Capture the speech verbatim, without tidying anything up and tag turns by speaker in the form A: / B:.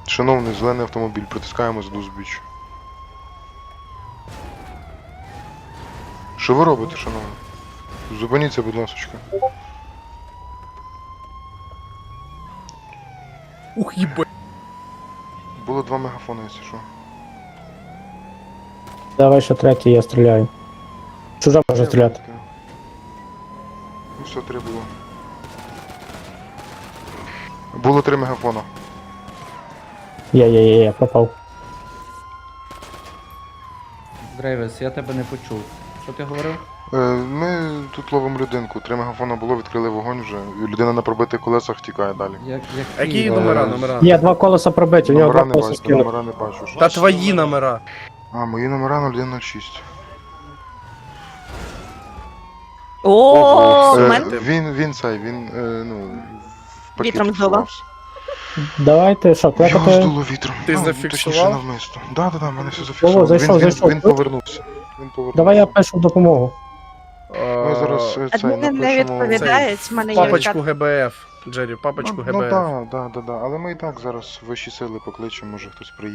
A: Шановний, зелений автомобіль, притискаємо за узбіч. Що ви робите, шановний? Зупиніться, будь ласка.
B: Ух, їбать.
A: Було два мегафони, якщо що.
C: Давай ще третій, я стріляю. Чужа може стріляти.
A: Ну все, три було. Було три мегафона.
C: Є, є, є, є, пропав.
D: Грейвес, я тебе не почув. Що ти говорив?
A: Е, Ми тут ловимо людинку, три мегафона було, відкрили вогонь вже. І людина на пробитих колесах тікає далі.
D: Як, як
B: Які
D: ти-
B: номера,
D: е,
B: номера?
C: Є, два колеса пробиті, у нього
A: Номера
C: два
A: не
C: колеса
A: бачу,
C: скинув.
A: номера не бачу. Що?
B: Та твої номера.
A: А, мої номера нуль один нуль шість.
E: О,
A: Е,
E: в мене
A: Він, він цей, він, е, ну, в пакеті
E: Вітром здуло.
A: сховався.
C: Давайте, що,
A: Його
C: кликати?
A: здуло вітром.
B: Ти
A: А,
B: зафіксував?
A: Точніше, навмисно. Да, да, да, в мене все зафіксовано.
C: О, зайшов,
A: він,
C: зайшов.
A: Він, він повернувся. Він повернувся.
C: Давай я пишу допомогу.
A: Ми зараз е, цей
E: адміни не
A: напишемо...
E: відповідають, в мене є
B: Папочку
E: відкат.
B: ГБФ. Джері, папочку
A: Ну, ну
B: ГБФ.
A: да, да, да, да. Але ми і так зараз вищі сили покличемо, може хтось приїде.